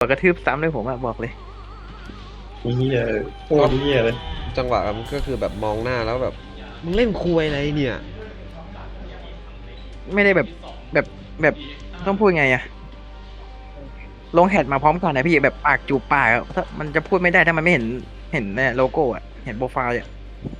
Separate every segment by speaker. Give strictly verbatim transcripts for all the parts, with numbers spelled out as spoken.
Speaker 1: กระทืบซ้ำเลยผมอะบอกเลย
Speaker 2: เฮียโคตรเฮียเลย
Speaker 3: จังหวะมันก็คือแบบมองหน้าแล้วแบบมึงเล่นคุยอะไรเนี่ย
Speaker 1: ไม่ได้แบบแบบแบบต้องพูดไงอะลงแฮดมาพร้อมกันนะพี่แบบปากจูบปากอะถ้ามันจะพูดไม่ได้ถ้ามันไม่เห็นเห็นเนี่ยโลโก้อะเห็นโปรไฟล์อะ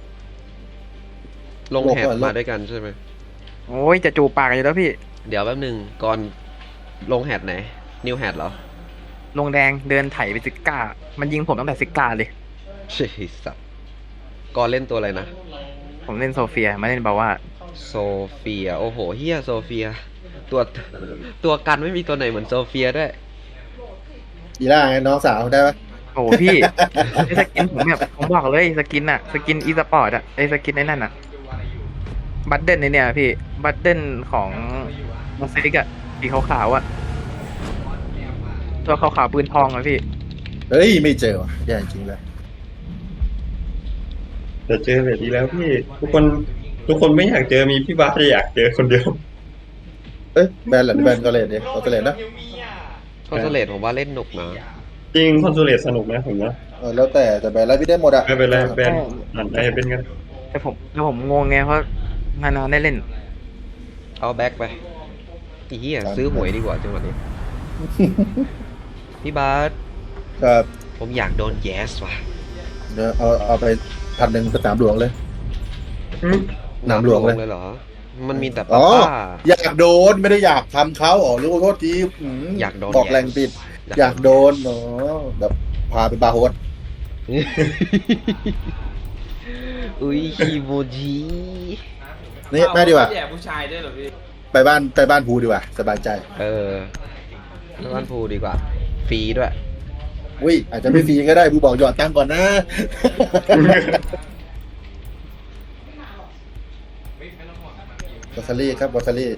Speaker 3: ลงแฮดมาด้วยกันใช่ไหม
Speaker 1: โอ้ยจะจูบปากอยู่แล้วพี่
Speaker 3: เดี๋ยวแป๊บหนึ่งก่อนลงแฮดไหนนิวแฮดเหรอ
Speaker 1: ลงแดงเดินไถไปซิก้ามันยิงผมตั้งแต่ซิก้าเลย
Speaker 3: ใช่สับก่อนเล่นตัวอะไรนะ
Speaker 1: ผมเล่นโซเฟียไม่เล่นบาว่า
Speaker 3: โซเฟียโอ้โหเฮียโซเฟียตัวตัวกันไม่มีตัวไหนเหมือนโซเฟียด้วย
Speaker 4: อีล่าไงน้องสาวได้ปะ
Speaker 1: โอ้พี่ไอสกินผมแบบผมบอกเลยสกินอะสกินอีสปอร์ตอะไอสกินไอ้นั่นอะบัตเดิลเนี่ยพี่บัตเดิลของมาซิกอะสีขาวๆอะตัวขาวๆปืนทองอะพี่
Speaker 4: เฮ้ยไม่เจอว่ะแย่จริงเลย
Speaker 2: แต่เจอแบบนี้แล้วพี่ทุกคนทุกคนไม่อยากเจอมีพี่บาสอยากเจอคนเดียว
Speaker 4: เอ้ยแบนหรือแบนก็เลยเนี่ยก็เลยนะ
Speaker 3: คอนโซเลตผมว่าเล่นหนุกนะ
Speaker 2: จริงคอนโซเลตสนุกนะผมนะ
Speaker 4: เออแล้วแต่แต่แบนแล้วพี่ได้หมดอะ
Speaker 2: ไม่เป็นไรแบนอ่านได้เป็นกัน
Speaker 1: แต่ผมแต่ผมงงไงเพราะนานๆได้เล่น
Speaker 3: เอาแบ็คไปอีเหี้ยซื้อหวยดีกว่าจังหวะนี้พี่บาส
Speaker 4: ครับ
Speaker 3: ผมอยากโดนแยสว่ะ
Speaker 4: เดี๋ยวเอาเอาไปพันหนึ่งสนามหลวงเลยสนามหลวงเลย
Speaker 3: เหรอมันมีแต่
Speaker 4: ป้าอยากโดนไม่ได้อยากทำเขาอ๋อรู้โทษที
Speaker 3: อยากโดน
Speaker 4: บอกแรงปิดอยากโดนเนาะแบบพาไปบาร์โฮส
Speaker 3: อุ้ยฮิโมจิ
Speaker 4: นี่แม่ดีกว่า
Speaker 5: แย่ผู้ชายด้วยเหรอพี่
Speaker 4: ไปบ้านไปบ้านภูดีกว่าสบายใจ
Speaker 3: เออไปบ้านภูดีกว่าฟรีด้วย
Speaker 4: อุ้ยอาจจะไม่ฟรีก็ได้ภูบอกหยอดตังก่อนนะบอสซารี่ครับบอสซารี่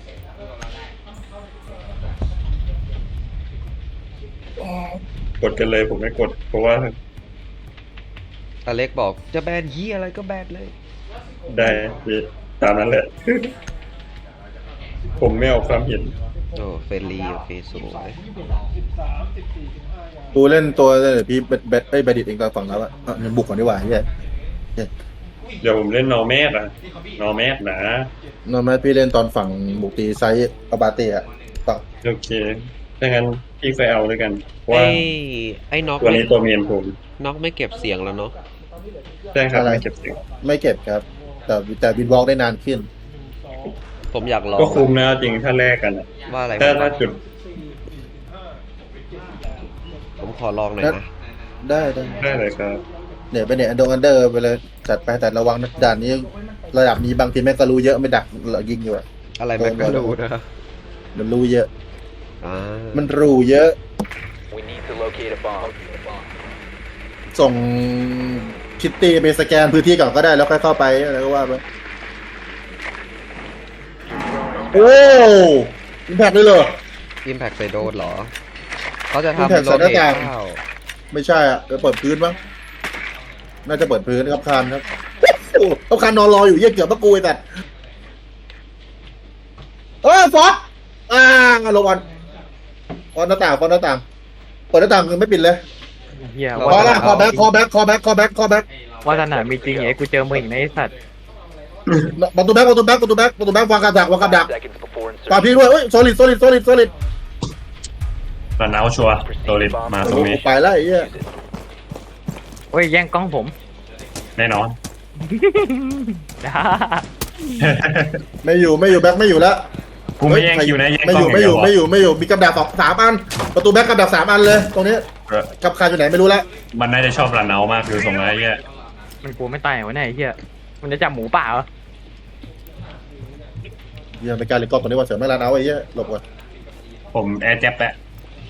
Speaker 2: กดกันเลยผมไม่กดเพราะว่า
Speaker 3: อเล็กบอกจะแบนยี่อะไรก็แบนเลย
Speaker 2: ได้ตามนั้นแหละผมไม่เอาความเห็น
Speaker 3: โอ้เฟรนลี่โอเคสวย
Speaker 4: กูเล่นตัวเลยพี่เบ็ดเบ็ดไอ้เบดิตเองตอนฝั่งแล้วอะยังบุกก่อนดีกว่าเฮีย
Speaker 2: เดี๋ยวผมเล่นนอร์แมสอะนอร์แมสนะ
Speaker 4: นอร์แมสพี่เล่นตอนฝั่งบุกตีไซส์อาบาเต้อะต่อ
Speaker 2: โอเคถ้างั้นพี่ไปเอาด้วยกัน
Speaker 3: ว่าไอ้น็อก
Speaker 2: ตัวนี้ตัวเมียนผม
Speaker 3: น็อกไม่เก็บเสียงแล้วเนาะ
Speaker 2: ใช่ครับไม่เก็บเสียง
Speaker 4: ไม่เก็บครับแต่แต่บินวอล์กได้นานขึ้น
Speaker 3: ผมอยากลอง
Speaker 2: ก็คุ้มนะจริงถ้าแลกกัน
Speaker 3: ว่าอะไร
Speaker 2: ถ้าถ้าจุด
Speaker 3: ผมขอลองหน่อยนะ
Speaker 4: ได้ได้
Speaker 2: ได้เลยครับ
Speaker 4: เนี่ยไปเนี่ยอันดงอันเดอร์ไปเลยจัดไปแต่ระวังนะด่านนี้ระดับนี้บางทีแม่งก็รู้เยอะไม่ดักเรายิงอยู่อะ
Speaker 3: อะไรแม่งก็รู้นะ
Speaker 4: มันรู้เยอะมันรู้เยอะส่งคิตตี้ไปสแกนพื้นที่ก่อนก็ได้แล้วค่อยเข้าไปอะไรก็ว่าไปโอ้อิมแพคเลยเหรอ
Speaker 3: อิมแพคใส่โดนเหรอเขาจะทำโรเทต
Speaker 4: ไม่ใช่อ่ะจะเปิดพื้นมั้งน่าจะเปิดพื้นครับคานครับโอ้คานนอนรออยู่เยี่ยเกือบมะกูไอ้สัตว์เออฟอสอ่าลงบอลฟอสหน้าต่างฟอสหน้าต่างเปิดหน้าต่างยังไม่ปิดเลยคอละคอแบ็คคอแบ็คคอแบ็คคอแบ็คคอแบ็ค
Speaker 1: ว่าสนามมีจริงไอ้กูเจอมึงอีกในไอ้สัตว์
Speaker 4: ประตูแบ็คประตูแบ็คประตูแบ็คประตูแบ็ควางกับดักวางกับดักปาพี่ด้วยเฮ้ยโซลิดโซลิดโซลิดโซลิด
Speaker 2: รันเอาชัวร์โซลิดมาตรงนี้
Speaker 4: ไปแล้วไอ้เหี้ย
Speaker 1: โอ้ยแย่งกล้องผม
Speaker 2: แน่นอน
Speaker 4: ไม่อยู่ไม่อยู่แบ็คไม่อยู่แล้ว
Speaker 2: กูไม่แย่งคิวนะแย่ง
Speaker 4: ไม่อยู่ไม่อยู่ไม่อยู่ไม่อยู่มีกับดักสองสามอันประตูแบ็คกับดักสามอันเลยตรงนี้กับคาอยู่ไหนไม่รู้แล้ว
Speaker 2: มันน่าจะชอบรันเอามากคือส่งอะไรเงี้ย
Speaker 1: มันกลัวไม่ตายวะเนี่ยไอ้เหี้ยมันจะจับหมูป่าเหรอ
Speaker 4: เหี้ยไม่กล้าเล่นกล้องตัวนี้ว่าเสือไม่รันเอาไอ้เหี้ยหลบก่อน
Speaker 2: ผมแอร์แจ็บแหละ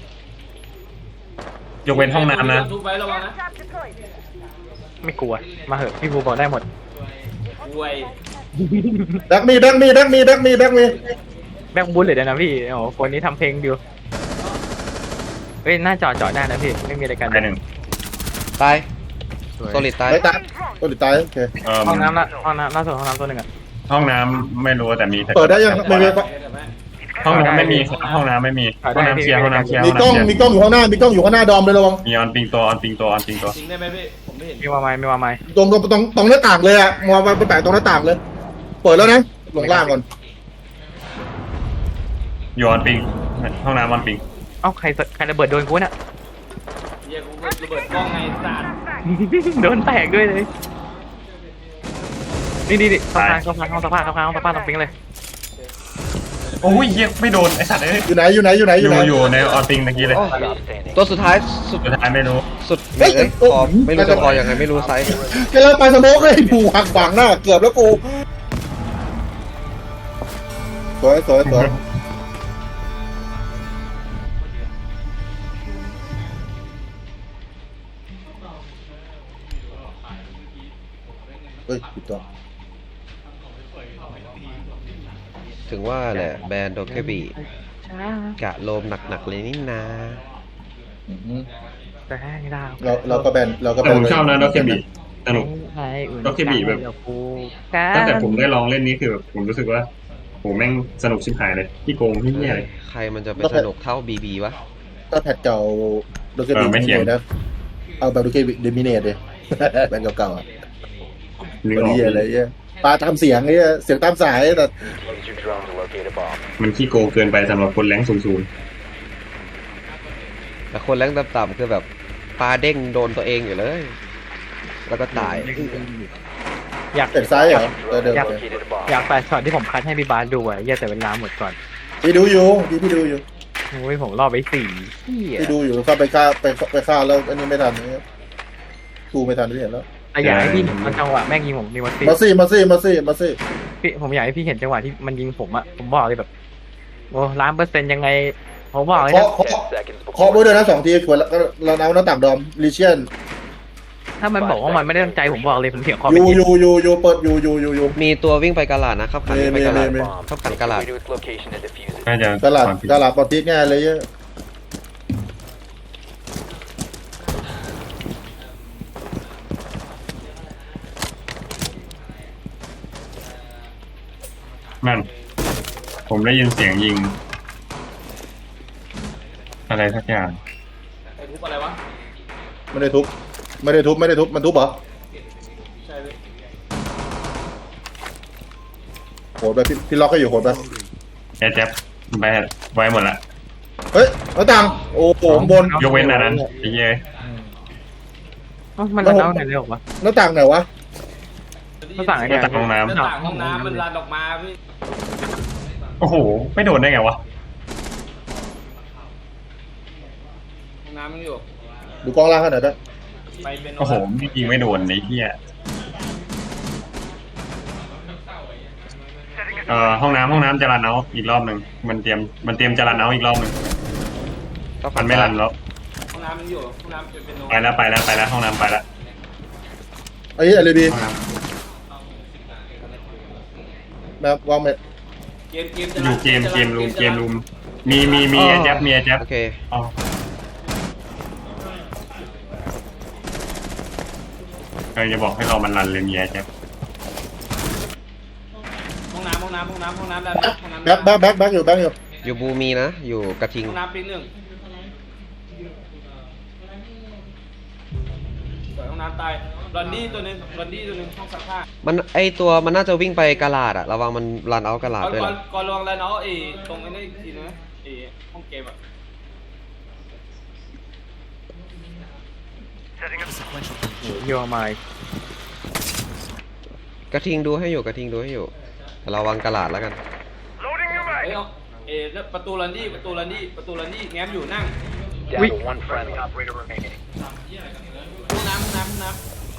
Speaker 2: ยกเว้นห้องน้ำนะ
Speaker 1: ไม่กลัวมาเหอะพี่ภูบอกได้หมด
Speaker 4: แบ็คมีแบ็คมีแบ็คมีแบ็คมีแบ็คมี
Speaker 1: แบ็คบูลเลยนะพี่โอ้คนนี้ทำเพลงดิวเฮ้ยน่าจอดจอดได้นะพี่ไม่มีอะไรกัน
Speaker 2: ไปหนึ่ง
Speaker 3: ตายโซลิดตาย
Speaker 4: ไม่ตายโซลิดตายโอเค
Speaker 1: ห้องน้ำละห้องน้ำล่าสุดห้องน้ำตัวหนึ่งอะ
Speaker 2: ห้องน้ำไม่รู้แต่มี
Speaker 4: เปิดได้ยังไม่ไม่
Speaker 5: ห้องน้ำไม่มีครับห้องน้ำไม่มีห้องน้ำเคลียร์ห้องน้ำเคลียร์
Speaker 4: มี
Speaker 5: ห้อง
Speaker 4: กล้อง
Speaker 5: น้ำเคลียร์
Speaker 4: มีกล้องอยู่ข้างหน้ามีกล้องอยู่ข้างหน้าดอมเลยระวัง
Speaker 5: มีออนปิงตัวออนปิงตัวออนปิงตัว
Speaker 6: จริงได้ไหมพี่ผมไม่เห็น
Speaker 1: มีว่าไหมมีว่าไหม
Speaker 4: ตรงตรงตรงตรงหน้าต่างเลยอะมองไปแปะตรงหน้าต่างเลย เปิดแล้วนะลงล่างก่อน
Speaker 5: อยู่ออนปิงห้องน้ำออนปิง
Speaker 1: เอ้าใครใครระเบิดโดนกูน่ะ
Speaker 6: เฮียกูระเบิดกล้องไงสัตว์
Speaker 1: โดนแตกด้วยเลยนี่นี่นี่เข้าทางเข้าทางห้องสภาพเข้าทางห้องสภาพตรงปิงเลย
Speaker 5: โอ้ยเหี้ยไม่โดนไอสัตว์เอ้ย
Speaker 4: อยู่ไหนอยู่ไหนอยู่ไหน
Speaker 5: อ
Speaker 4: อยู่
Speaker 5: ยู่
Speaker 4: ไหน
Speaker 5: อยู่ในออนปิงเมื่อกี้เลย
Speaker 3: โอ้ตัวสุดท้ายสุด
Speaker 5: สุดท้ายไม่รู้
Speaker 3: สุด
Speaker 4: เฮ้ย
Speaker 3: เอ้ย
Speaker 4: โอ้
Speaker 3: พอไม่รู้จะพอยังไงไม่รู้ไซส์
Speaker 4: กำลังไปสโมกเลยผูหักขวางหน้าเกือบแล้วกูสวยสวยสวยเฮ้ยผิดตัว
Speaker 3: ถึงว่าแหละแบรนด์โดเกบีกะโลมหนักๆเลยนี่นา
Speaker 4: อืม
Speaker 1: แต่ให้ดาว
Speaker 4: เราเราก็แบนเราก็แบ
Speaker 5: แต่
Speaker 4: น
Speaker 5: ผมชอบนะด็อกเคบีสนุก
Speaker 1: ให้อุ่น
Speaker 5: ก็แค่บีบแบบ
Speaker 1: เดี๋ยวกู
Speaker 5: ตั้งแต่ผมได้ลองเล่นนี้คือแบบผมรู้สึกว่าโหแม่งสนุกชิบหายเลยที่โกงที่เนี่ยเลย
Speaker 3: ใครมันจะไปสนุกเท่าบีบีวะ
Speaker 4: ถ้าแพทเก่าโดเก
Speaker 5: เอ
Speaker 4: บิ
Speaker 5: อไม่
Speaker 4: มิ
Speaker 5: เถี
Speaker 4: เน
Speaker 5: ยง
Speaker 4: ตนะเอาแบบโดเกบิเดมิเนตเลย แบนเก่าๆอ่ะ
Speaker 5: นึก
Speaker 4: วัน
Speaker 5: ออก
Speaker 4: นี้อะไรเงี้ยปลาทำเสียงเงี้ยเสียงตามสายแต่
Speaker 5: มันขี้โกงเกินไปสำหรับคนแรงสูง
Speaker 3: แต่คนแรงต่ำๆคือแบบปลาเด้งโดนตัวเองอยู่เลย แล้วก็ตาย
Speaker 1: อยาก
Speaker 4: เป็นซ้ายเหรอเออเดิม
Speaker 1: อยาก
Speaker 4: เลย
Speaker 1: อยากแต่ช็อตที่ผมคัดให้พี่บาสดูอะแย่แต่เวลาหมดก่อน
Speaker 4: พี่ดูอยู่พี่พี่ดูอยู่
Speaker 1: โอ้ยผมรอไปสี่เหี้ย
Speaker 4: พี่ดูอยู่เข้าไปฆ่าไปไปฆ่าแล้วอันนี้ไม่ทันเนี่ยกูไม่ทันที่เห็นแล้ว
Speaker 1: แต่อยากให้พี่เห็นจังหวะแม่งยิงผมมีวัต
Speaker 4: มาซี่มาซี่มาซี่มาซี่
Speaker 1: พี่ผมอยากให้พี่เห็นจังหวะที่มันยิงผมอะผมบอกเลยแบบโอ้ล้านเปอร์เซ็นต์ยังไงผมบอกเลย
Speaker 4: เคาะ
Speaker 1: นะ
Speaker 4: เคาะเคาะด้วยด้วยนะสองทีขวดแล้วก็เราเอาหน้าต่างดอมลิเชียน
Speaker 1: ถ้ามันบอกว่ามันไม่ได้ตั้งใจผมบอกเลยผมเถียงคอ
Speaker 4: อ
Speaker 1: ไป
Speaker 4: ยู่
Speaker 1: ที
Speaker 4: อยู่อยู่อยู่เปิดอยู่อยู่อยู่อยู่
Speaker 3: มีตัววิ่งไปกาลาดนะครับขันวิ่งไปกาลาด
Speaker 4: มีมีมี
Speaker 3: ครับขันกาลาด
Speaker 5: ๆน่าจะ
Speaker 4: ตลาด
Speaker 5: ความผิด
Speaker 4: ตลาดปอติสง่ายเลยเยอะ
Speaker 5: นั่นผมได้ยินเสียงยิง อะไรสักอย่าง
Speaker 6: ไอ้ทุบอะไรวะ
Speaker 4: ไม่ได้ทุบไม่ได้ทุบไม่ได้ทุบมันทุบเหรอ
Speaker 6: ใช่พี่
Speaker 4: โหดไปพี่พี่ล็อกก็อยู่โหดไป
Speaker 5: แอร์แจ็บไปไว้หมดละ
Speaker 4: เฮ้ยหน้าต่างโอ้โหข้างบน
Speaker 5: ยกเว้นอันนั้นไอ้เหี้ย
Speaker 1: เอ้ามันระเน่าไหนเลยเหรอวะ
Speaker 4: หน้าต่างไหนวะ
Speaker 1: หน้าต่างไอ้
Speaker 5: หน้า
Speaker 1: เนี่ย
Speaker 5: ต่างห้องน้
Speaker 6: หน้าต่างห้องน้ำมันรันออกมาพี่
Speaker 5: ำโอ้โห ไม่โดนได้ไงวะ
Speaker 6: ห้องน้ำมันอยู่
Speaker 4: ดูกล้องล่างขนาดนั้น
Speaker 6: ไปเป็น
Speaker 5: โอ้โหยิงไม่โดนไอ้เหี้ยเอ่อห้องน้ำห้องน้ำจะรันเอาอีกรอบหนึ่งมันเตรียมมันเตรียมจะรันเอาอีกรอบหนึ่ง
Speaker 3: ก็
Speaker 5: มันไม่รันแล้ว
Speaker 6: ห้องน้ำมันอยู่ห้องน้ำเป็นเป็นโน
Speaker 5: ไปแล้วไปแล้วไปแล้วห้องน้ำไปแล้ว
Speaker 4: ไอ้อะไรดี
Speaker 5: ห้องน้
Speaker 4: แบบวางเม็ด
Speaker 6: เกมเกม
Speaker 5: ำอยู่เกมเกมรูมเกมรูมมีมีมีแอร์แจ็บมีแอร์แจ็บ
Speaker 3: โอเค
Speaker 5: อ๋อเออจะบอกให้เรามันรันเลยมีแอร์แจ็บ
Speaker 6: ห้องน้ำห้องน้ำห้องน้ำห้องน้ำด้านห้องน้ำ
Speaker 4: แบ็คแบ็คแบ็คแบ็คอยู่แบ็คอยู่
Speaker 3: อยู่บูมีนะ อยู่กระทิง
Speaker 6: ห้องน้ำปีหนึ่งสวยห้องน้ำตายรอนดี้ตัวหนึงรอนดี้ตัวหนึงห้องซักผ้า
Speaker 3: มันไอตัวมันน่าจะวิ่งไปกาลาดอะระวังมันรันเอากาลาด
Speaker 6: ก่อน
Speaker 3: ด้วย
Speaker 6: ก่อน
Speaker 3: นะ
Speaker 6: ก่อนลองแล้วเนาะไอ้ตรงไอ้นี่อีกทีนะไอ้ห้องเกมอะ
Speaker 1: โยมาย
Speaker 3: กระทิงดูให้อยู่กระทิงดูให้อยู่แต่ระวังกาลาดแล้วกัน
Speaker 6: เอ้ยเอาเอ้แล้วประตูรอนดี้ประตูรอนดี้ประตูรอนดี้แง้มอยู่นั่ง
Speaker 1: วิ
Speaker 6: ห้องน้ำห้องน้ำห้องน้ำ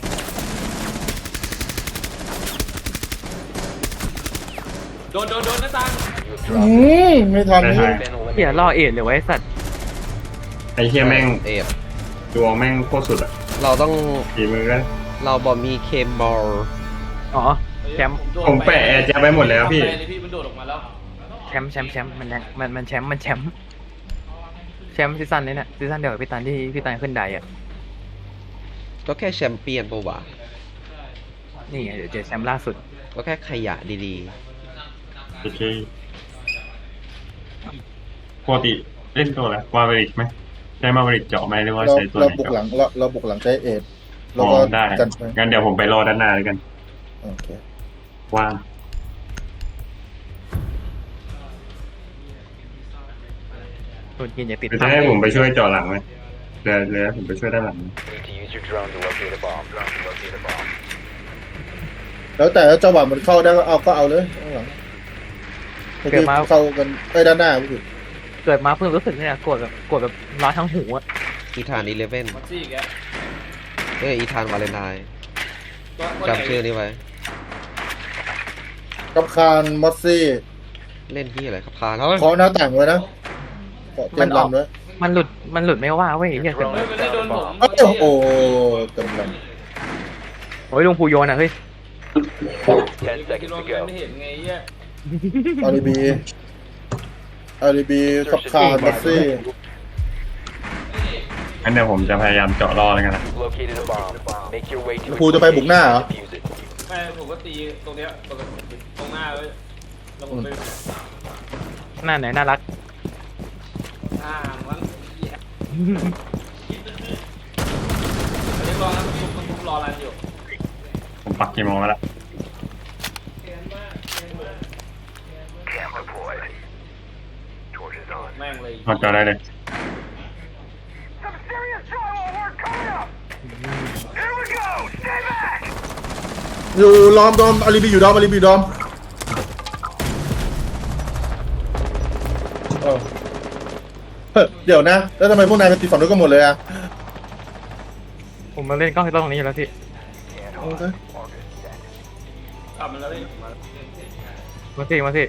Speaker 6: โดนโดนโดนหน้าต่าง
Speaker 4: อืมไม่ทัน
Speaker 5: ได้
Speaker 4: นี่
Speaker 5: ถ่าย
Speaker 1: เหี้ยล่อเอ็ดเลยไวะไอ้สัตว์
Speaker 5: ไอ้เหี้ยแม่ง
Speaker 3: เอ็ด
Speaker 5: ดวงแม่งโคตรสุดอ่ะ
Speaker 3: เราต้อง
Speaker 5: ฝีมือก็
Speaker 3: เราบอมีเคมบอล
Speaker 1: อ๋อแชมป์
Speaker 6: โดด
Speaker 5: ผมแปะแอร์แจ็บไว้หมดแล้วพี่
Speaker 6: ไปเลยพี่มันโดดออกมาแล้ว
Speaker 1: แชมป์แชมป์แชมป์มันยังมันมันแชมป์มันแชมป์แชมป์ซีซั่นนี้เนี่ยซีซั่นเดียวกับพี่ตันที่พี่ตันขึ้นไดอ่ะ
Speaker 3: ก็แค่แชมเปี้ยนปะวะ
Speaker 1: นี่ไงเดี๋ยวเจอแชมป์ล่าสุด
Speaker 3: ก็แค่ขยะดี
Speaker 5: โอเคปกติเล่นตัวอะไรมาบริกไหมใช้มาบริกเจาะไหมหรือว่า
Speaker 4: เรา
Speaker 5: ใช้ตัวไห
Speaker 4: เรา
Speaker 5: น
Speaker 4: บุกห
Speaker 5: เจาะ
Speaker 4: ลังเราเราบุกหลังใช้เอ็ดแล้
Speaker 5: อ๋
Speaker 4: ว
Speaker 5: อ
Speaker 4: ก็
Speaker 5: ได้
Speaker 4: กันไป
Speaker 5: งั้นเดี๋ยวผมไปรอด้านหน้าแล้วกัน
Speaker 4: โอเค
Speaker 5: ว่าง
Speaker 1: ตัวกินอย่าติด
Speaker 5: หรือจะให้ผมไปช่วยเจาะหลังไหมเดี๋ยวเดี๋ยวผมไปช่วยด้านหลัง
Speaker 7: Need to use your drone to locate a bomb. Drone to locate a bomb.
Speaker 4: แล้วแต่จังหวะมันเข้าได้ก็เอาก็เอาเลยข้างหลังเมื่อกี้เข้ากันไปด้านหน้าพี่
Speaker 1: เกิดมาเพิ่งรู้สึกเนี่ยโกรธแบบโกรธแบบร้อนทั้งหูอะ
Speaker 3: อีธานอีเลเว่น
Speaker 6: มัดซี่อีกแล้ว
Speaker 3: เอ้ยอีธานวาเลนไทน์
Speaker 6: ตัวตัวไหน
Speaker 3: จำชื่อนี้ไว้
Speaker 4: กับคานมอสซี่
Speaker 3: เล่นที่อะไรครับพาแล้ว
Speaker 4: เคาะหน้าต่างไว้นะเคาะเต็มลำไว้
Speaker 1: มันหลุดมันหลุดไม่ว่าเว้ยเฮียเกิด
Speaker 6: เฮ้ยมันได้โดนผม
Speaker 4: โอ้โหเต็มล
Speaker 1: โอ้ยลุงภูโยนอ่ะเฮ้ย
Speaker 7: Ten
Speaker 6: ที่
Speaker 7: seconds
Speaker 6: ล
Speaker 7: to
Speaker 6: ง
Speaker 7: go.
Speaker 6: ไม่เห็นไงเหี้ย
Speaker 4: ำอารีบีอารีบีกับคานมอสซี่
Speaker 5: งั้นเดี๋ยวผมจะพยายามเจาะรอแล้วกันนะ
Speaker 7: Located a bomb. Make your way to
Speaker 4: ครูจะไปบุกหน้าเหรอ
Speaker 7: defuse it.
Speaker 6: ไม่ผมก็ตีตรงเนี้ยตรงตรงหน้าเลยแล้วผมไป
Speaker 1: หน้าไหนน่ารัก
Speaker 6: อ่ามันเหี้ยเรียกรอนะทุกคนทุกรอรันอยู่
Speaker 5: ผมปักกี่โมงแล้วล่ะ
Speaker 6: แม่งเลย
Speaker 5: เอาเจาะได้เลย
Speaker 4: อยู่ล้อมดอมอารีบีอยู่ดอมอารีบีดอมเออเฮ้ยเดี๋ยวนะ แล้วทำไมพวกนายไปตีฝั่งนู้นกันหมดเลยอ่ะ
Speaker 1: ผมมาเล่นกล้องที่ตรงนี้อยู่แล้วพี่
Speaker 4: โอเค
Speaker 6: กลับมาแล้วพี่
Speaker 1: มาสิมาสิ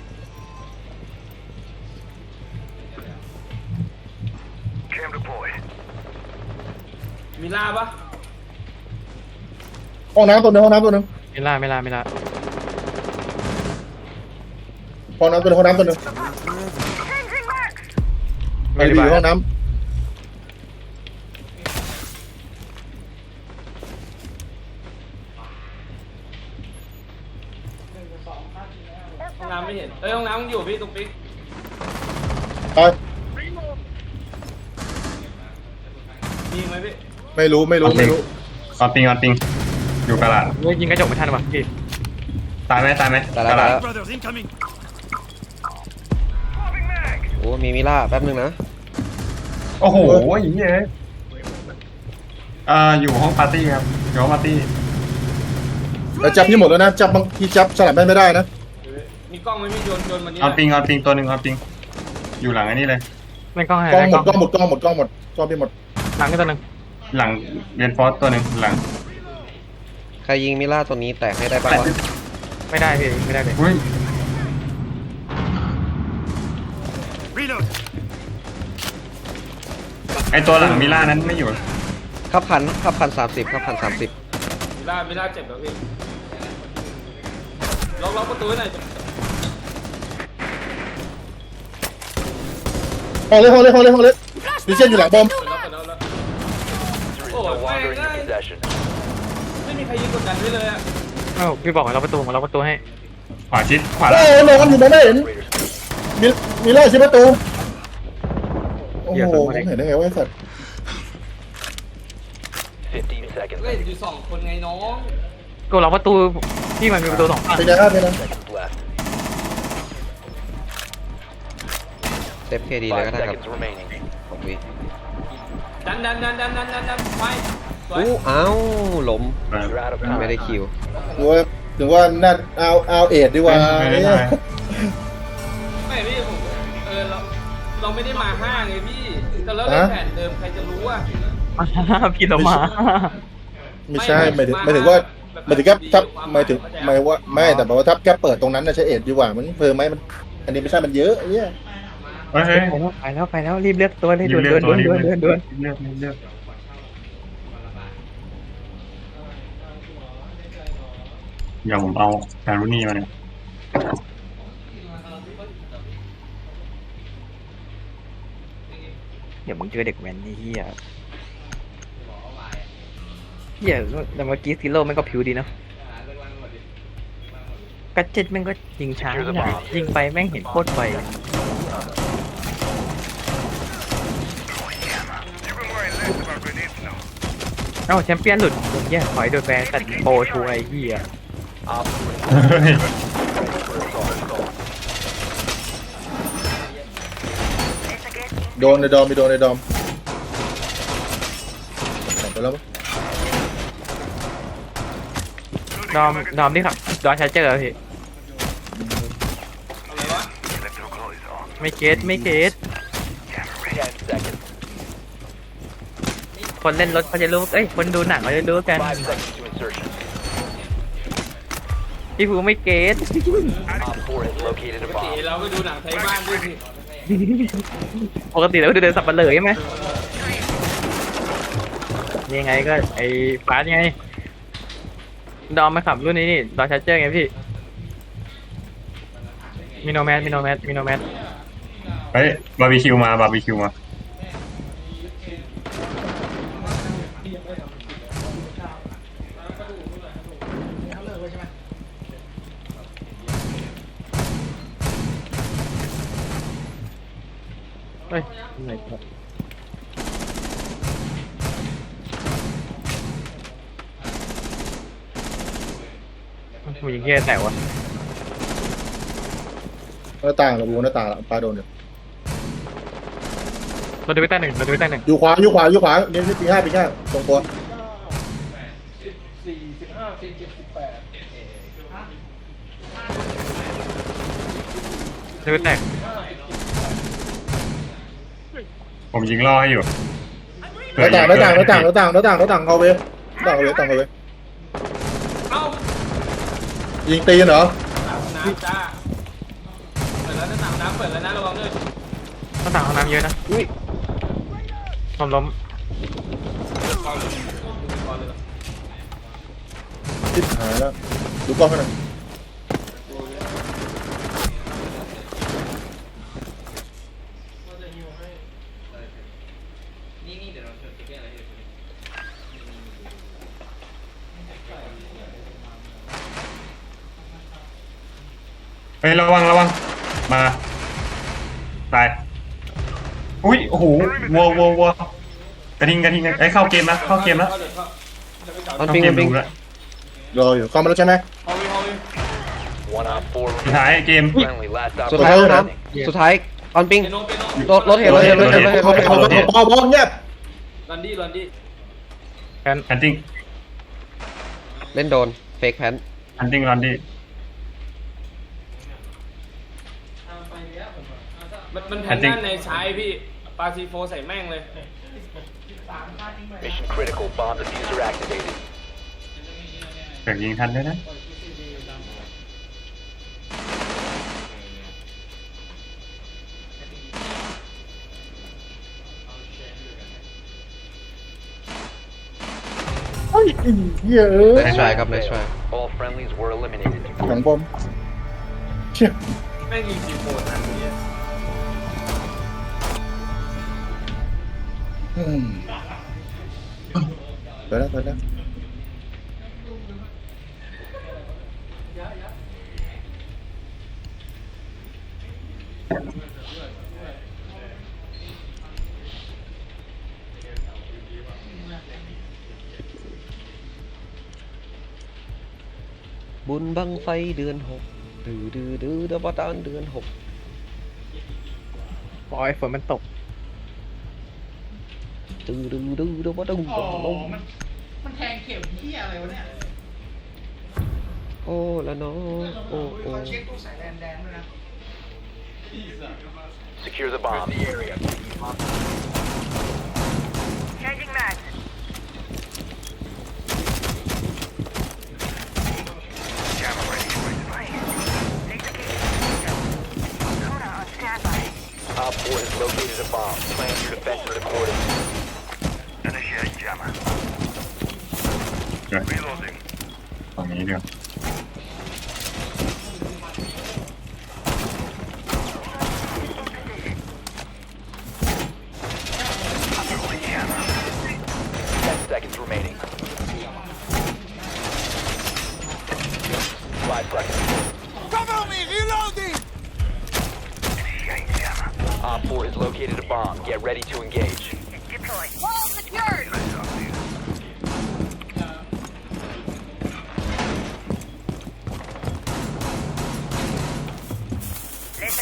Speaker 6: มีล่าปะ
Speaker 4: ห้องน้ำตัวหนึงห้องน้ำตัวหนึง
Speaker 1: ไม่ล่าไม่ล่าไม่ล่า
Speaker 4: ห้องน้ำตัวหนึงห้องน้ำตัวหนึง
Speaker 1: ไม่
Speaker 4: อารี
Speaker 1: ได้
Speaker 4: บี
Speaker 1: บ้า
Speaker 4: ห้องน้
Speaker 6: ห้องน้ำไม่เห็นเอ้ยห้องน้ำมันอยู่พี่ตรงปิ๊ก
Speaker 4: ำไป
Speaker 6: มีไหมพี่
Speaker 4: ไม่รู้ไม่รู้ไม่รู้
Speaker 5: เอาปิงเอาปิงอยู่กระดาษ
Speaker 1: เฮ้ยยิงกระจกไม่ทันว่ะพี่
Speaker 5: ตายไหมตายไหม
Speaker 3: แต่ละ
Speaker 5: กระ
Speaker 3: แต่
Speaker 5: ดาษ
Speaker 3: ละโอ้มีมิล่าแป๊บนึงนะ
Speaker 5: โอ้โหไอ้เหี้ยอ่าอยู่ห้องปาร์ตี้ครับอยู่ห้องปาร์ตี้
Speaker 4: แล้วจับนี่หมดแล้วนะจับบางทีจับสลับไม่ได้นะ
Speaker 6: มีกล้องไหมพี่โยนโยนมันนี่
Speaker 5: เอาปิงเอาปิงตัวหนึ่งเอาปิงอยู่หลังอันนี้เลย
Speaker 1: เล่นกล้องให้
Speaker 4: กล้อง
Speaker 1: เล่น
Speaker 4: หม
Speaker 1: กล้
Speaker 4: ด
Speaker 1: อง
Speaker 4: กล้องหมดกล้องหมดกล้องหมดกล้องพี่หมด
Speaker 1: หลังก็ตัวหนึ่ง
Speaker 5: หลังเรียนฟอสตัวหนึ่งหลัง
Speaker 3: ใครยิงมิล่าตัวนี้แตกให้ได้ปะวะ
Speaker 1: ไม่ได้พี่ไม่ได้เลย
Speaker 5: อุ้ยไอตัวหลังมิล่านั้นไม่อยู่
Speaker 3: ขับพันขับพันสามสิบขับพันสามสิบ
Speaker 6: มีล่ามีล่าเจ็บแล้วพี่ล็อกล็อกประตูให้หน่อย
Speaker 4: ห้องเล็กห้องเล็กห้องเล็กห้องเล็กดิเช่นอยู่หลังบอม
Speaker 6: เปิดแล้วเปิดแล้วแล้ว
Speaker 7: Is no longer in your possession.
Speaker 6: ไม่มีใครยิงกดดันไว้เลยอะ
Speaker 1: เอ้าพี่บอกให้เราประตูของเราประตูให้
Speaker 5: ขวาชิดขวา
Speaker 4: โอ้
Speaker 5: ล่าง
Speaker 4: โหนอนอยู่มองไม่เห็นมีมีไล่ชิดประตูโอ้โหผมเห็นได้ไงวะไอ้สัตว์
Speaker 7: Fifteen seconds.
Speaker 6: เล่นอยู่สองคนไงน้อง
Speaker 1: ก็เราประตูที่มันมีประตูสองฝั่ง
Speaker 4: เป็นไงครับเป็นไง
Speaker 7: Seconds left.
Speaker 3: เซฟเคดีเลย
Speaker 7: Five
Speaker 3: ก็ได้ครับ
Speaker 7: seconds remaining.
Speaker 3: หกวิ
Speaker 6: ดันดันดันดันดันดันดันไปสวย
Speaker 3: อู้อ้าวล้ม
Speaker 7: You're out of time.
Speaker 3: ไม่ได้คิว
Speaker 4: ถือว่าถือว่าน่าเอาเอาเอ็ดดีกว่า
Speaker 5: ไม่ได้
Speaker 4: เนี่ย
Speaker 6: ไม่พี่ผมเออเราเราไม่ได้มาห้าไงพี่แต่เราเล่นแผนเดิมใครจะรู้ว่า
Speaker 1: พี่เรามา
Speaker 4: ไม่ใช่หมายถึงหมายถึงว่าหมายถึงแค่ทับหมายถึงหมายว่าไม่แต่แบบว่าทับแค่เปิดตรงนั้นนะใช้เอ็ดดีกว่ามันเพิ่มไหมมัน อันนี้ไม่ใช่มันเยอะไอ้เนี่ย
Speaker 5: เฮ้ยเฮ้ย
Speaker 1: ไปแล้วไปแล้วรีบเลือกตัวเลย
Speaker 5: รี
Speaker 1: ด่ว
Speaker 5: บ
Speaker 1: น
Speaker 5: เลื
Speaker 1: ด่
Speaker 5: อ
Speaker 1: ว
Speaker 5: ก
Speaker 1: น
Speaker 5: ตั
Speaker 1: ด่
Speaker 5: ว
Speaker 1: วน
Speaker 5: รีบ
Speaker 1: ด่วน
Speaker 5: เลื
Speaker 1: ด่
Speaker 5: อ
Speaker 1: วน
Speaker 5: ก
Speaker 1: ด่วน
Speaker 5: เลือกเลือกเดี๋ยวผมเอาการุนี่มาเนี่ย
Speaker 1: เดี๋ยวมึงเจอเด็กแว้นนี่เฮียเฮียแต่เมื่อกี้ซิโร่แม่งก็ผิวดีเนาะกัดเจ็ดแม่งก็ยิงช้าเนี่ยยิงไปแม่งเห็นโคตรไวเอ้าแชมเปี้ยนหลุดเหี้ยถอยโดนแบนแต่โปรชูไอ้เหี้ย
Speaker 7: Op
Speaker 5: เฮ้ย
Speaker 4: โดนในดอมมีโดนในดอมออกไปแล้วมั้ย
Speaker 1: ดอมดอมนี่ครับดอมชาร์เจอร์พี่
Speaker 6: อะไรวะ
Speaker 1: ไม่เกตไม่เกต
Speaker 7: ten seconds.
Speaker 1: คนเล่นรถเขาจะรู้เอ้ยคนดูหนังเขาจะรู้กัน
Speaker 7: Five seconds to insertion.
Speaker 1: พี่ภูไม่เกต
Speaker 7: Op four has located a
Speaker 6: ปกติ
Speaker 7: bomb.
Speaker 6: เราก็ดูหนังไทยบ้านด้วยสิ
Speaker 1: ปกติเราก็เดินสับปะเลยใช่ไหมยังไงก็ไอ้ฟาสไงดอมมาขับรุ่นนี้นี่ดอมชาร์เจอร์ไงพี่มิโนแมสมิโนแมสมิโนแมส
Speaker 5: เฮ้ยบาร์บีคิวมาบาร์บีคิวมา
Speaker 1: เฮ้ยไหนครับผู้หญิงเหี้ยแต่วะ
Speaker 4: หน้าต่างระบูหน้าต่างละปลาโดนอยู่
Speaker 1: เราดูไปใต้หนึ่งเราดูไปใต้หนึ่ง
Speaker 4: อยู่ขวาอยู่ขวาอยู่ขวาเลี้ยงปีห้าปีห้าตรงตัว
Speaker 1: ดูไปแตก
Speaker 5: ผมยิงล่อให้อยู่
Speaker 4: หน้าต่างหน้าต่างหน้าต่างหน้าต่างหน้าต่างหน้าต่างเขาเว้ยหน้าต่างเขาเว้ยต่างเขาเว้ย
Speaker 6: เอ้า
Speaker 4: ยิงตีนเหรอ
Speaker 6: น้ำจ้าเปิดแล้วหน้าต่างน้ำเปิดแล้วนะระวังด้วย
Speaker 1: หน้าต่างห้องน้ำเยอะนะอุ้ยล้มล้ม
Speaker 6: ก่อนเลยก่อนเลย
Speaker 4: ทิศหายแล้วดูกล้องให้หน่อย
Speaker 5: เฮ้ยระวังระวังมาตายอุ้ยโอ้โหวัววัววัวกระทิงกระทิงไอ้ยเข้าเกมนะเข้าเกมแล้ว
Speaker 6: เข้าเดี๋ยวเข้าจะไปจับ
Speaker 3: ออน
Speaker 5: เข้า
Speaker 3: ปิง
Speaker 5: เก
Speaker 3: อ
Speaker 5: ม
Speaker 3: อนปิง
Speaker 5: ดูแล้ว
Speaker 4: รออยู่เข้ามาแล้วใช่ไหม
Speaker 6: ฮอลวีฮอลวี
Speaker 7: One op four
Speaker 5: สุดท้ายเกม
Speaker 7: friendly. Last
Speaker 3: สุด
Speaker 7: op
Speaker 3: ท้ายห้องน้ำสุดท้ายออนปิง
Speaker 6: เปโนเปโน
Speaker 3: รถรถเห็นรถเห็นรถเห็นรถเห็นรถเห็น
Speaker 4: พอพอพอพอเงียบ
Speaker 6: ลันดี้ลันดี้
Speaker 1: แคน
Speaker 5: แอนติ้ง
Speaker 3: เล่นโดนเฟกแพน
Speaker 5: แอนติ้งรันดี้
Speaker 6: มันมันแผ่นด้านในใช้พี่ปาซีโฟใส่แม่งเลย
Speaker 7: mission critical. Bomb diffuser activated.
Speaker 5: เกิดยิงทันด้วยนะ
Speaker 4: เฮ้ยไอ้เหี้ยเอ้ย
Speaker 3: ในทรายครับในทราย
Speaker 7: All friendlies were eliminated.
Speaker 4: หลังบอมเชี่ย
Speaker 6: แม่งยิงซีโฟทันเนี่ย
Speaker 4: อืมไปแล้วไปแล้ว
Speaker 3: บุญบังไฟเดือนหกดื้อดื้อดื้อเดือบดานเดือนหก
Speaker 1: ปล่อยฝนมันตก
Speaker 3: ดื้อดื้อดื้อเดือบดังลง
Speaker 8: มันแทงเข็มที่อะไรวะเนี่ย
Speaker 3: โอ้ละเนาะโอ้โอ้
Speaker 8: เช็คตู้สายแดนแดนด้วยนะ
Speaker 7: Secure the bomb.
Speaker 9: Changing mag. Jammer ready for deploy. Laser cage. Kona on standby.
Speaker 7: Op four has located a bomb. Plan your defenses accordingly.
Speaker 9: Initiate jammer.
Speaker 5: เดี๋ยว
Speaker 9: Reloading.
Speaker 5: ตรงนี้เดี๋ยว
Speaker 7: Ten seconds remaining. Five seconds.
Speaker 8: Cover me! Reloading!
Speaker 9: Initiate jammer.
Speaker 7: Op four has located a bomb. Get ready to engage.
Speaker 9: Deploy.
Speaker 8: Wall secured!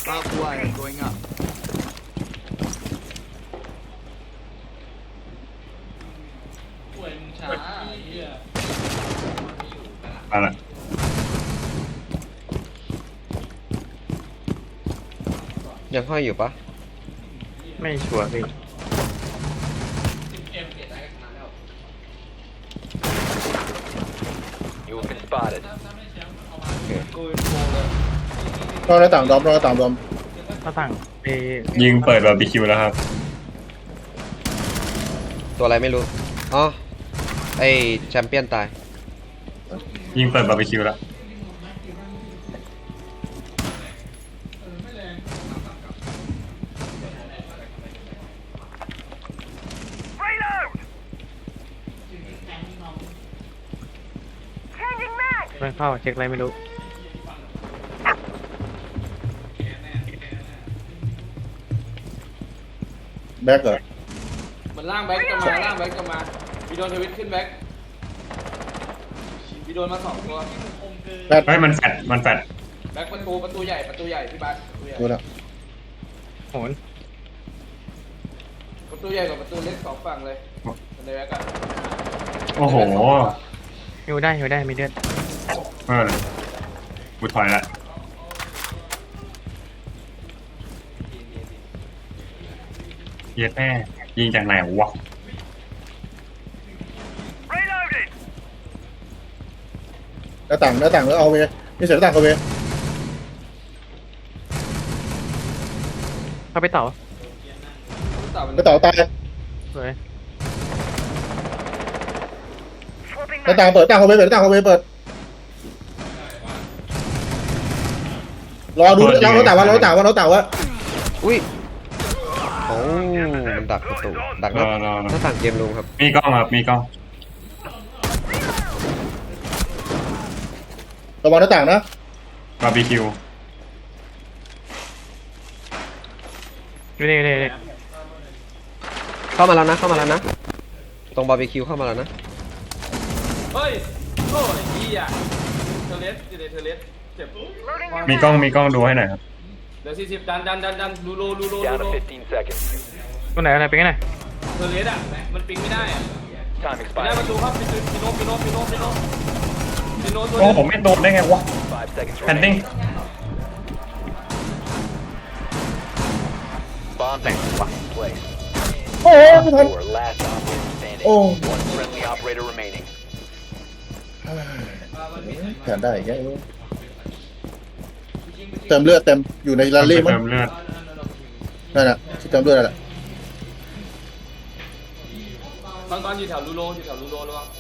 Speaker 6: ป่วยมึงช้าไอ้เหี้ย
Speaker 5: มาละ
Speaker 3: ยังห้อยอยู่ปะ
Speaker 1: ไม่ชัวร์พี่
Speaker 7: You have been spotted.
Speaker 4: รอหน้าต่างดอมรอหน้าต่างดอม
Speaker 1: หน้าต่างเอ
Speaker 5: ยิงเปิดบาร์บีคิวแล้วครับ
Speaker 3: ตัวอะไรไม่รู้ อ๋อ ไอแชมเปี้ยนตาย
Speaker 5: ยิงเปิดบาร์บีคิวแล้ว
Speaker 9: Changing mag!
Speaker 1: เพื่อนเข้าเช็คอะไรไม่รู้
Speaker 4: แบ็กเหรอ
Speaker 6: มันล่างแบ็กจะมาล่างแบ็กจะมาวีโดนทวิตขึ้นแบ็กวีโดนมาสองตัว
Speaker 4: แบ็ก
Speaker 5: เฮ้ยมันแฟดมันแฟด
Speaker 6: แบ็กประตูประตูใหญ่ประตูใหญ่พี่บัสประตูใหญ่
Speaker 4: ดูแล้ว
Speaker 1: โหน
Speaker 6: ประตูใหญ่กับประตูเล็กสองฝั่งเลยในแบ็กอะ
Speaker 5: โอ้โห
Speaker 1: ฮิวได้ฮิวได้มีเลือด
Speaker 5: เออกูถอยละเย็ดแม่ยิงจากไหนวะ
Speaker 9: Reloading!
Speaker 4: หน้าต่างหน้าต่างแล้วเอาเวนี่เสร็จหน้าต่างเอาเว
Speaker 1: เข้าไปเต่า
Speaker 6: ต่อมัน
Speaker 4: หน้าต่างตาย
Speaker 1: สวย
Speaker 9: Swapping
Speaker 4: หน้า
Speaker 9: mag.
Speaker 4: ต่างเปิดหน้าต่างเอาเวเปิดหน้าต่างเอาเวเปิดรอดูรอหน้าต่างว่ารอหน้าต่างว่ารอหน้าต่างว่า
Speaker 3: อุ้ย โอ้ มันดักประตู ดักห
Speaker 5: ร
Speaker 3: น้า
Speaker 5: อรอร
Speaker 3: ห
Speaker 5: อ
Speaker 3: น้าต่างเกมลุงครับ
Speaker 5: มีกล้องครับมีกล้อง
Speaker 4: ระวังหน้าต่างนะ
Speaker 5: บาร์บีคิว
Speaker 1: อยู่นี่อยู่นี่อยู่นี่
Speaker 3: เข้ามาแล้วนะ เข้ามาแล้วนะ ตรงบาร์บีคิวเข้ามาแล้วนะ
Speaker 6: เฮ้ยโอ้ยพี่อะเทเลสอยู่ในเทเลสเจ็บ
Speaker 5: มีกล้องมีกล้องดูให้หน่อยครับ
Speaker 6: เดี๋ยวสี่สิบดันดันดันดันลูโลลูโลลู
Speaker 7: Down
Speaker 6: โล
Speaker 7: to fifteen seconds.
Speaker 1: ตัวไหนอะไรเป็นไงน่ะ
Speaker 6: เทเลสอะมันปิงไม่ได้อะ
Speaker 7: Time
Speaker 6: ไม่ได้
Speaker 7: expired.
Speaker 6: ประตูครับปิโนปิโนปิโนปิโนปิโนปิโนตัว
Speaker 5: โอ้
Speaker 6: เดียว
Speaker 5: ผมไม่โดนได้ไงวะ
Speaker 7: Five seconds
Speaker 5: แพนดิ้ง
Speaker 7: remaining. Bomb diffuser in place.
Speaker 4: โอ้ยไม่ทัน
Speaker 7: Four last operator standing.
Speaker 4: Oh.
Speaker 7: One friendly operator remaining.
Speaker 4: แผนได้แกเติมเลือดเต็มอยู่ในลา
Speaker 5: ไป
Speaker 4: ลี่มั้ง
Speaker 5: เติมเลือด
Speaker 4: นั่นแหละที่เติมเลือดนั่นแหละ
Speaker 6: ตอนตอนอยู่แถวลูโลอยู่แถวลูโลระวัง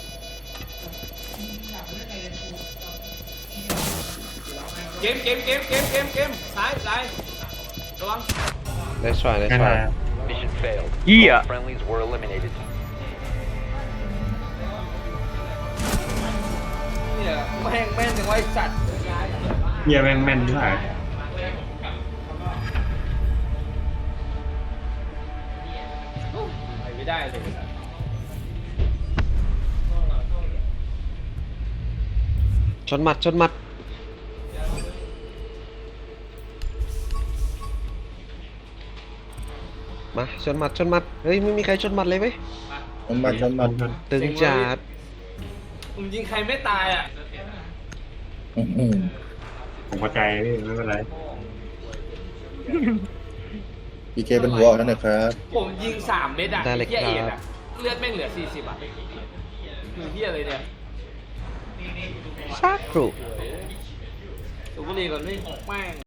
Speaker 6: เกมเกมเกมเกมเกมเกมซ้ายซ้ายระวัง
Speaker 3: Let's try let's
Speaker 5: ไม่
Speaker 3: try
Speaker 5: มา
Speaker 7: Mission failed.
Speaker 1: เหี้ย
Speaker 7: All friendlies were eliminated.
Speaker 6: เนี่ยแม่งแม่งถึงไว้สัตว์
Speaker 5: เฮียแม่งแม่นที่ไหน
Speaker 6: ไปไม่ได้เลย
Speaker 3: ชนหมัด ชนหมัด มา ชนหมัด ชนหมัด เฮ้ย ไม่มีใครชนหมัดเลยเว้ย
Speaker 4: มันมันมันมัน
Speaker 3: ตึงจัด
Speaker 6: ผมยิงใครไม่ตายอ่ะ
Speaker 4: อื้อหือ
Speaker 5: ผมเข้าใจพี่ไม่เป็นไร
Speaker 4: พีเคเป็นหัวออกนั่นนะครับ
Speaker 6: ผมยิงสามเม็ดอ่ะ
Speaker 3: ได้เลย
Speaker 6: เฮียเอก
Speaker 3: ครั
Speaker 6: อ่ะ
Speaker 3: บ
Speaker 6: เลือดแม่งเหลือสี่สิบอ่ะคือเฮียอะไรเนี่ย
Speaker 3: ชาครู
Speaker 6: สูบบุหรี่ก่อนนี่แม่ง